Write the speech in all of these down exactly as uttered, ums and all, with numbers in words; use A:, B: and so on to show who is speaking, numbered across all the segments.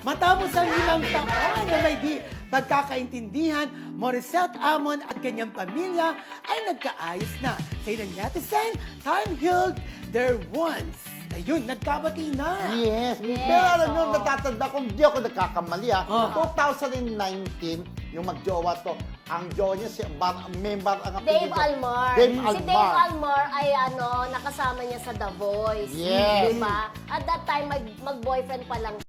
A: Matapos ang ilang taon na may di pagkakaintindihan, Morissette Amon at kanyang pamilya ay nagkaayos na. Sa ilang netizen, time healed their wounds. Ayun, nagkabati na.
B: Yes.
C: Yes,
B: Pero alam nyo,
C: oo.
B: natatanda ko, hindi ako nagkakamali ah.
A: Oh.
B: twenty nineteen, yung magjowa to, ang jowa niya si Bar, member ang
C: Dave
B: apelyido.
C: Almar.
B: Dave
C: Si
B: Almar.
C: Dave Almar ay ano, nakasama niya sa The Voice.
B: Yes.
C: Diba? At that time, mag, mag-boyfriend pa lang.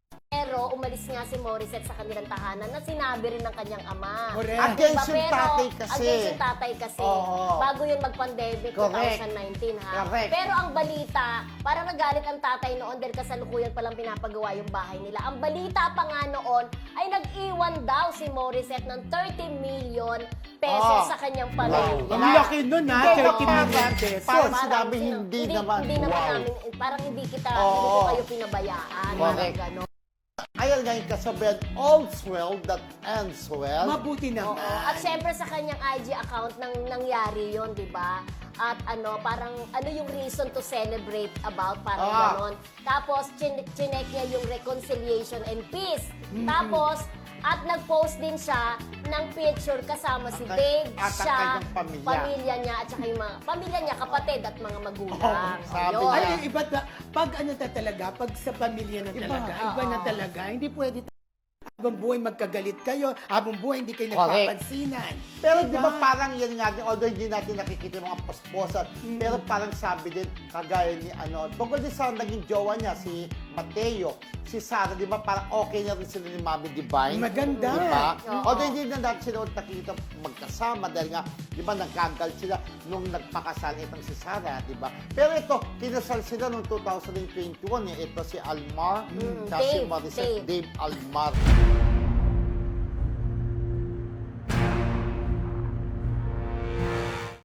C: Pero umalis nga si Morissette sa kanilang tahanan na sinabi rin ng kanyang ama.
A: Correct.
B: Against yung
C: Pero,
B: tatay kasi.
C: Against yung tatay kasi.
B: Oo.
C: Bago yun mag-pandemic,
B: Correct.
C: twenty nineteen ha.
B: Correct.
C: Pero ang balita, parang nagalit ang tatay noon dahil kasalukuyan palang pinapagawa yung bahay nila. Ang balita pa nga noon ay nag-iwan daw si Morissette ng thirty million
B: Ah.
C: pesos sa kanyang pamilya.
A: Ang laki nun ha,
B: Hindi,
A: thirty
B: parang-
A: million pesos.
B: parang
C: Parang
B: sinabi,
C: sino-
B: hindi naman.
C: Hindi naman
B: Wow.
C: namin, parang hindi kita,
B: Oo.
C: hindi ko kayo pinabayaan. Parang
B: Correct.
C: gano'n.
B: Ayan nga yung kasabihan, all's well that ends well.
A: Mabuti
C: Oo.
A: naman.
C: At syempre sa kanyang I G account nang nangyari yon, di ba? At ano, parang ano yung reason to celebrate about, parang
B: Ah.
C: ganon. Tapos, chin chinek niya yung reconciliation and peace. Tapos, at nag-post din siya ng picture kasama si
B: At-
C: Dave,
B: at ang
C: siya,
B: kanyang pamilya.
C: niya, at saka yung mga, pamilya niya, kapatid at mga magulang.
B: Oo, sabi
C: Ayun.
B: niya.
A: Ay, iba ta, pag ano ta talaga, pag sa pamilya na
B: Iba.
A: talaga, iba, na
C: Oo.
A: talaga, hindi pwede ta- habang buhay magkagalit kayo, habang buhay hindi kayo
B: Correct.
A: nagpapansinan.
B: Pero di ba parang yan nga, din, although hindi natin nakikita yung mga posposan,
A: Mm.
B: pero parang sabi din, kagaya ni ano, tungkol din sa naging jowa niya, si Mateo, si Sarah, di ba parang okay na rin sila ni Mami Divine?
A: Maganda.
B: Di ba?
C: Oo.
B: Although hindi na natin sila ulit nakikita magkasama dahil nga, di ba, nagkagal sila nung nagpakasal itong si Sarah, di ba? Pero ito, kinasal sila noong two thousand twenty-one, eh. Ito si Almar,
C: Mm,
B: tsaka si
C: Dave,
B: Morissette,
C: Dave.
B: Dave Almar.